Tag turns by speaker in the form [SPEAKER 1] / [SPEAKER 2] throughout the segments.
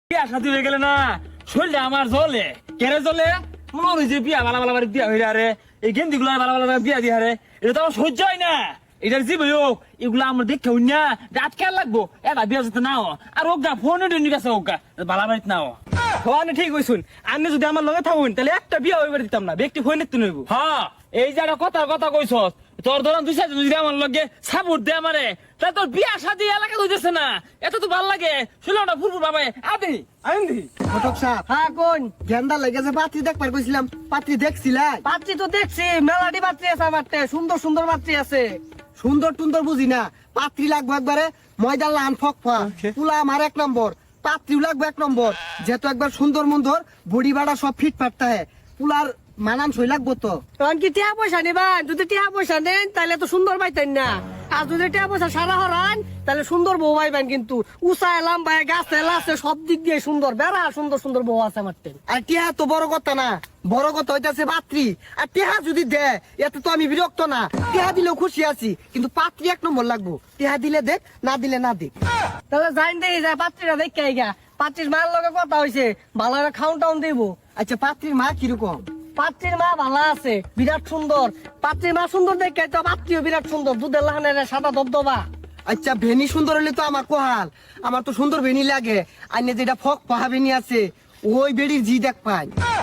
[SPEAKER 1] বিয়া শাদী হয়ে গেলে না শরীরটা আমার জ্বলে কেড়ে জ্বলে মনে হয় যে বিয়া ভালো ভালো বিয়া হয়ে রে এই গেন্দি গুলো ভালো ভালো বিয়া দিয়ে রে এটা তো আমার সহ্য হয় না। এটার যে ভাই হোক এগুলো আমার দেখতে হই না রাত খেয়াল লাগবো এটা বিয়া যেতে নাও আর ওগা ফোনে ডেনি গেছে ওগা বালা বাড়িতে নাও।
[SPEAKER 2] হওয়ানে ঠিক হইছুন আপনি যদি আমার লগে থাকুন তাহলে একটা বিয়া হইবার দিতাম না, ব্যক্তি ফোন নিতে নইব।
[SPEAKER 1] হ্যাঁ এই যে একটা কথা কইছ তোর ধরন দুই চারজন যদি আমার লগে সাপোর্ট দে আমারে তা তোর বিয়া শাদী এলাকা হইতেছে না এত তো ভাল লাগে শুনলাম না ফুরফুর বাবা আদি
[SPEAKER 2] আইন্দি
[SPEAKER 3] ঘটক সাহেব,
[SPEAKER 4] হ্যাঁ কোন
[SPEAKER 3] গেন্দা লেগেছে পাত্রী দেখবার কইছিলাম, পাত্রী দেখছিলাই?
[SPEAKER 4] পাত্রী তো দেখছি মেলাটি পাত্রী আছে আমারতে, সুন্দর সুন্দর পাত্রী আছে।
[SPEAKER 3] সুন্দর টুন্দর বুঝি না, পাত্রী লাগবে একবারে ময়দার লান ফকফা পুলা আমার 1 নম্বর, পাত্রীও লাগবে 1 নম্বর, যেহেতু একবার সুন্দর মন্দর বডি বাড়া সব ফিট ফাটতে হয়, পুলার মানান সই লাগবো তো।
[SPEAKER 4] তখন কি টিয়া পয়সা নিবেন? যদি টিয়া পয়সা নেন তাহলে তো সুন্দর পাইতেন না, আর যদি টিয়া পয়সা সারা হরান তাহলে সুন্দর বউ পাইবেন। কিন্তু উঁচায় লাম্বায় গাছে লাছে সব দিক দিয়ে সুন্দর বেড়া সুন্দর সুন্দর বউ আছে আমারতে।
[SPEAKER 3] আর টিহা তো বড় কথা না, বড় কথা হইতাছে পাত্রী। আর টিহা যদি দেয় এতে তো আমি বিরক্ত না, টিহা দিলেও খুশি আছি, কিন্তু পাত্রী 1 নম্বর লাগবো। টিহা দিলে দেখ, না দিলে না দেখ।
[SPEAKER 4] তাহলে যাইন দেখি যায় পাত্রীরা দেখে আইগা, পাত্রীর মায়ের লগে কথা হয়েছে, ভালো করে খাউন টাউন দিব।
[SPEAKER 3] আচ্ছা পাত্রীর মা কিরকম?
[SPEAKER 4] পাত্রীর মা ভালো আছে, বিরাট সুন্দর। পাত্রীর মা সুন্দর দেখে তো পাত্রীও বিরাট সুন্দর, দুধের লাহানের সাদা দবদবা।
[SPEAKER 3] আচ্ছা ভেনি সুন্দর হলে তো আমার কোহাল, আমার তো সুন্দর ভেনি লাগে। আইনে যেটা ফক পাহা ভেনি আছে ওই বেড়ির জি দেখ পাই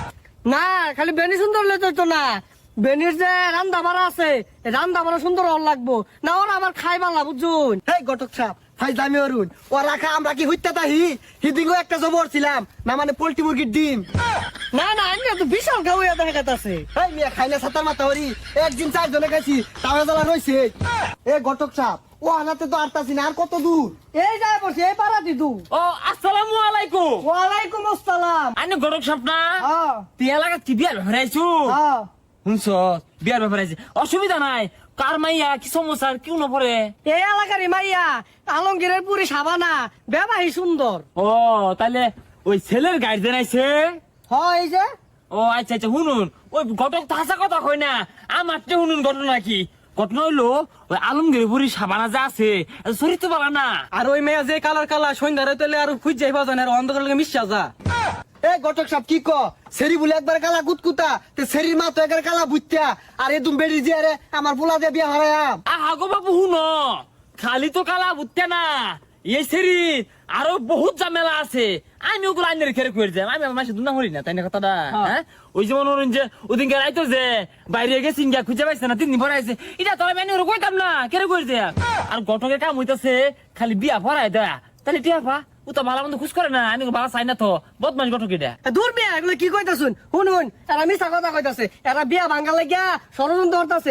[SPEAKER 4] না খালি বেনি সুন্দর হলে তো না, বেনির যে রান্দা বাড়া আছে রান্দা বাড়া সুন্দর হল লাগবো না, ওরা আমার খাই বালা বুঝুন।
[SPEAKER 3] হেই ঘটক সাহেব, ফাইজলামি অরুণ ও রাখা আমরা কি হইতে তাহি হিদিঙ্গো একটা জবর ছিলাম না, মানে পোল্ট্রি মুরগির ডিম।
[SPEAKER 4] না না আমি তো বিশাল গাউয়া দেখা গেছে।
[SPEAKER 3] হেই মিয়া খাইনা সাতার মাথা হরি, একদিন 4 জনে গেছি তাওয়া জ্বালা রইছে। এ ঘটক সাহেব, ও আনাতে তো আরতাছি না, আর কত দূর?
[SPEAKER 4] এই যায় বসে এই পাড়া দিদু।
[SPEAKER 1] ও আসসালামু আলাইকুম।
[SPEAKER 4] ওয়ালাইকুম আসসালাম।
[SPEAKER 1] আইনে গরক স্বপ্না
[SPEAKER 4] হ্যাঁ
[SPEAKER 1] তুই এলাকা কি বিয়ার ব্যাপারে আইছু?
[SPEAKER 4] হ্যাঁ
[SPEAKER 1] শুনছ বিয়ার ব্যাপারে আইছে, অসুবিধা নাই। কার মাইয়া কি সমস্যা কেউ না পরে?
[SPEAKER 4] এই এলাকারই মাইয়া আলমগীরের পুরি সাবানা বেবাহি সুন্দর।
[SPEAKER 1] ও তাহলে ওই ছেলের গার্জেন আইছে?
[SPEAKER 4] হয় এই যে
[SPEAKER 1] ও আচ্ছা আচ্ছা শুনুন, ওই ঘটক তো হাসা কথা কই না, আমার তো শুনুন ঘটনা কি। ঘটনা হইলো ওই আলমগীর বুড়ি সাবানা যা আছে চরিত্র বলা না।
[SPEAKER 2] আর ওই মেয়ে যে কালার কালার সন্ধ্যারে তাহলে আর খুঁজ যাইবা জানে আর অন্ধকার লাগে মিশা যা।
[SPEAKER 3] এ ঘটক সাহেব কি ক, সেরি বলে একবার কালা কুতকুতা, তে সেরির মা তো একবার কালা বুঝতা, আর এদুম বেড়ি যে আরে আমার পোলা দিয়ে বিয়া হারায়াম।
[SPEAKER 1] আগো বাবু শুনো, খালি তো কালা বুঝতে না, এই সেরি আরো বহুত ঝামেলা আছে। আমি ওগুলো আইনের খেরে করে যাই, আমি আমার মাসে দুনা হরি না তাই না কথাটা। হ্যাঁ ওই যে মনে যে ওদিনকে রাইতো যে বাইরে গেছি গিয়া খুঁজে পাইছে না, 3 দিন পরে আইছে, এটা তো আমি ওরা কইতাম না কেরে করে দেয়া। আর ঘটকের কাম হইতাছে খালি বিয়া ভরাই দেয়া, তাহলে টিয়া পা ও তো ভালো মন্দ খুশ করে না, আমি ভালো চাই না তো বদমাস ঘটক এটা।
[SPEAKER 4] দূর বিয়া এগুলো কি কইতাছুন শুনুন, এরা মিছা কথা কইতাছে, এরা বিয়া ভাঙ্গা লাগিয়া ষড়যন্ত্র করতাছে।